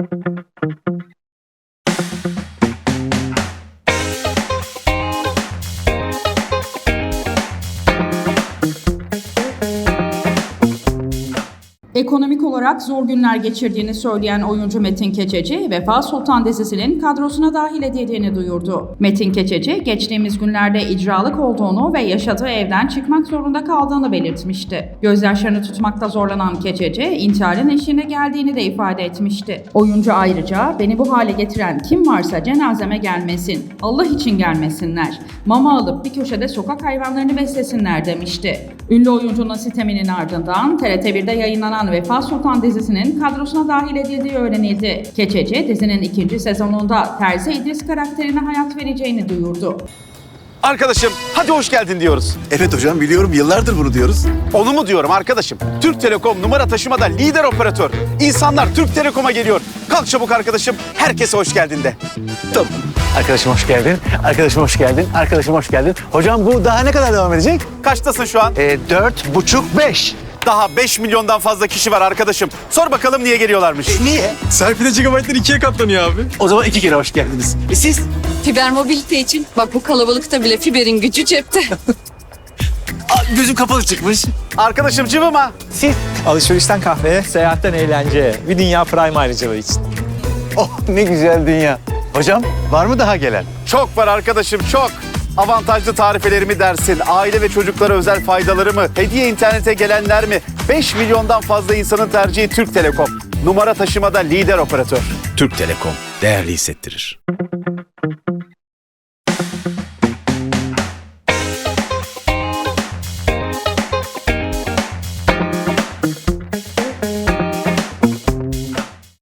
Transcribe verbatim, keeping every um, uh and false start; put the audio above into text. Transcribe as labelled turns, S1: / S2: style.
S1: Ekonomik olarak zor günler geçirdiğini söyleyen oyuncu Metin Keçeci, Vefa Sultan dizisinin kadrosuna dahil edildiğini duyurdu. Metin Keçeci, geçtiğimiz günlerde icralık olduğunu ve yaşadığı evden çıkmak zorunda kaldığını belirtmişti. Gözyaşlarını tutmakta zorlanan Keçeci, intiharın eşiğine geldiğini de ifade etmişti. Oyuncu ayrıca, "Beni bu hale getiren kim varsa cenazeme gelmesin, Allah için gelmesinler, mama alıp bir köşede sokak hayvanlarını beslesinler" demişti. Ünlü oyuncunun siteminin ardından T R T bir'de yayınlanan Vefa Sultan dizisinin kadrosuna dahil edildiği öğrenildi. Keçeci, dizinin ikinci sezonunda Terzi İdris karakterine hayat vereceğini duyurdu.
S2: Arkadaşım hadi hoş geldin diyoruz.
S3: Evet hocam biliyorum, yıllardır bunu diyoruz.
S2: Onu mu diyorum arkadaşım? Türk Telekom numara taşımada lider operatör. İnsanlar Türk Telekom'a geliyor. Kalk çabuk arkadaşım, herkese hoş geldin de.
S3: Tamam.
S4: Arkadaşım hoş geldin. Arkadaşım hoş geldin. Arkadaşım hoş geldin. Hocam bu daha ne kadar devam edecek?
S2: Kaçtasın şu an?
S4: Ee, dört buçuk beş.
S2: Daha beş milyondan fazla kişi var arkadaşım. Sor bakalım niye geliyorlarmış?
S3: E, niye?
S5: Serpil'e gigabaytlar ikiye katlanıyor abi.
S4: O zaman iki kere hoş geldiniz. E siz?
S6: Fiber mobilite için. Bak bu kalabalıkta bile fiberin gücü cepte.
S4: Aa, gözüm kapalı çıkmış.
S2: Arkadaşım cıvıma.
S4: Siz?
S5: Alışverişten kahveye, seyahatten eğlenceye. Bir dünya prime ayrıcalığı için.
S4: Oh ne güzel dünya. Hocam var mı daha gelen?
S2: Çok var arkadaşım çok. Avantajlı tarifelerimi dersin, aile ve çocuklara özel faydaları mı, hediye internete gelenler mi? beş milyondan fazla insanın tercihi Türk Telekom. Numara taşımada lider operatör.
S3: Türk Telekom değerli hissettirir.